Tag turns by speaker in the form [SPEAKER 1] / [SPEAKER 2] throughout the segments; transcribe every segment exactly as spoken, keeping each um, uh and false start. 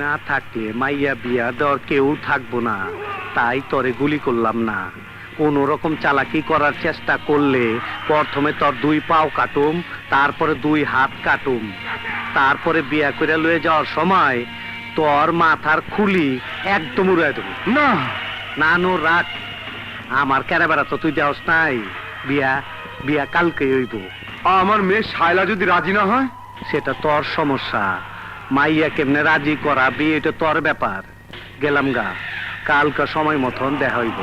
[SPEAKER 1] না থাকলে মাইয়া বিয়া দেওয়ার কেউ থাকবো না, তাই তরে গুলি করলাম না। কোন রকম চালাকি করার চেষ্টা করলে প্রথমে তোর দুই পাও কাটুম, তারপরে দুই হাত কাটুম, তারপরে বিয়া করে লয়ে যাওয়ার সময় তোর মাথার খুলি একদম উড়াই দেবো।
[SPEAKER 2] না
[SPEAKER 1] না নো রাখ, আমার কেরাবেড়া তো তুই দেওস নাই। বিয়া বিয়া কালকে হইব।
[SPEAKER 2] আমার মেয়ে শায়লা যদি রাজি না হয়?
[SPEAKER 1] সেটা তোর সমস্যা, মাইয়া কেমনে রাজি করাবি এটা তোর ব্যাপার। গেলাম গা, কালকা সময় মতন দেখা হইব।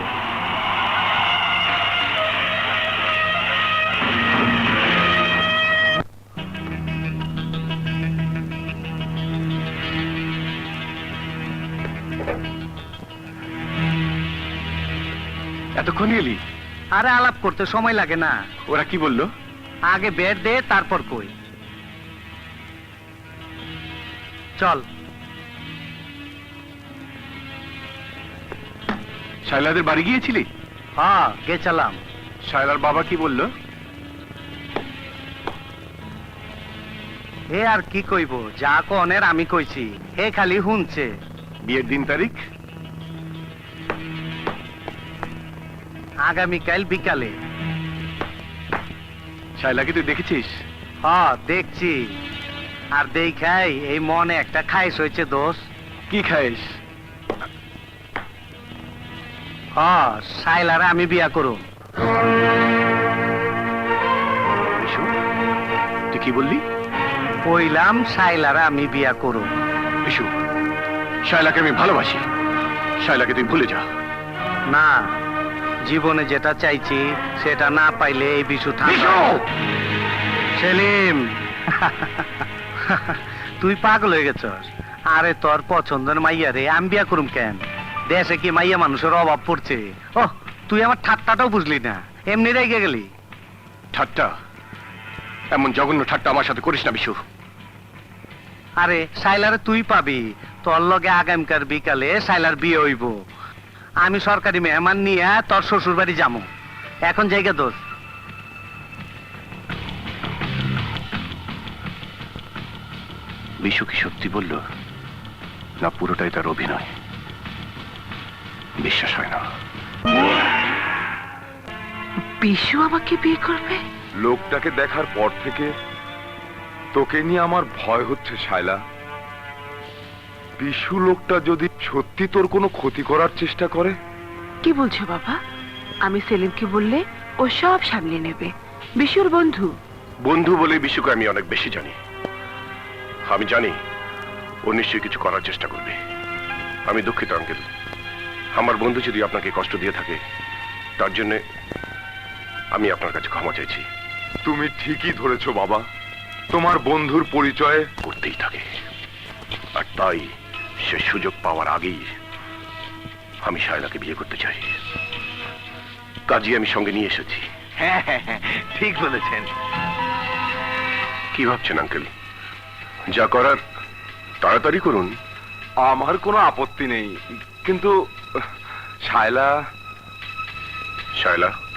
[SPEAKER 2] এতক্ষণ এলি?
[SPEAKER 1] আরে আলাপ করতে সময় লাগে না।
[SPEAKER 2] ওরা কি বললো?
[SPEAKER 1] আগে বেড দে, তারপর কই। চল।
[SPEAKER 2] শায়লাদের বাড়ি গিয়েছিলি?
[SPEAKER 1] হ্যাঁ গেছিলাম।
[SPEAKER 2] শায়লার বাবা কি বললো?
[SPEAKER 1] হে আর কি কইব, যা কনের আমি কইছি, হে খালি শুনছে।
[SPEAKER 2] বিয়ের দিন তারিখ?
[SPEAKER 1] আগামীকাল বিকালে।
[SPEAKER 2] শায়লাকে তুই দেখেছিস?
[SPEAKER 1] হ্যাঁ দেখছি, আর দেখাই এই মনে একটা খাইস হয়েছে দোষ।
[SPEAKER 2] কি খাইস?
[SPEAKER 1] হ্যাঁ শাইলারে আমি বিয়া করুম।
[SPEAKER 2] তুই কি বললি?
[SPEAKER 1] কইলাম শাইলারে আমি বিয়া করুম।
[SPEAKER 2] বিশু, শায়লাকে আমি ভালোবাসি, শায়লাকে তুই ভুলে যা।
[SPEAKER 1] না, জীবনে যেটা চাইছি সেটা না পাইলে এই বিশু থাকবে। সেলিম তুই পাগল হয়ে গেছস। আরে তোর পছন্দের মাইয়া রে আমি বিয়া করুম কেন? দেশে কি মাইয়া মানুষের অভাব পড়ছে? ও তুই আমার ঠাট্টাটাও বুঝলি না, এমনি রেগে গেলি।
[SPEAKER 2] ঠাট্টা? এমন জঘন্য ঠাট্টা আমার সাথে করিস না বিশু।
[SPEAKER 1] আরে শাইলারে তুই পাবি, তোর লগে আগামীকাল বিকালে শাইলার বিয়ে হইব। আমি সরকারি মেহমান নিয়ে তোর শ্বশুর বাড়ি যাবো। এখন জায়গা দোষ।
[SPEAKER 2] বিশু কি সত্যি বলল, না পুরোটাই তার অভিনয়? বিশ্বাস হয় না।
[SPEAKER 3] বিশু আমাকে বিয়ে করবে?
[SPEAKER 4] লোকটাকে দেখার পর থেকে তোকে নিয়ে আমার ভয় হচ্ছে শায়লা। বিশু লোকটা যদি সত্যি তোর কোনো ক্ষতি করার চেষ্টা করে?
[SPEAKER 3] কি বলছো বাবা? আমি সেলিমকে বললে ও সব সামলে নেবে। বিশুর বন্ধু।
[SPEAKER 2] বন্ধু বলে বিশুকে আমি অনেক বেশি জানি। আমি জানি ও নিশ্চয়ই কিছু করার চেষ্টা করবে। আমি দুঃখিত আঙ্কেল, আমার বন্ধু যদি আপনাকে কষ্ট দিয়ে থাকে তার জন্য আমি আপনার কাছে ক্ষমা চাইছি।
[SPEAKER 4] তুমি ঠিকই ধরেছো বাবা, তোমার বন্ধুর পরিচয়
[SPEAKER 2] করতেই থাকে, আর তাই সে সুযোগ পাওয়ার আগেই আমি শায়লাকে বিয়ে করতে চাই। কাজী আমি সঙ্গে নিয়ে এসেছি।
[SPEAKER 1] হ্যাঁ হ্যাঁ হ্যাঁ ঠিক বলেছেন।
[SPEAKER 2] কি ভাবছেন আঙ্কেল? যা করার তাড়াতাড়ি করুন।
[SPEAKER 4] আমার কোনো আপত্তি নেই, কিন্তু শায়লা
[SPEAKER 2] শায়লা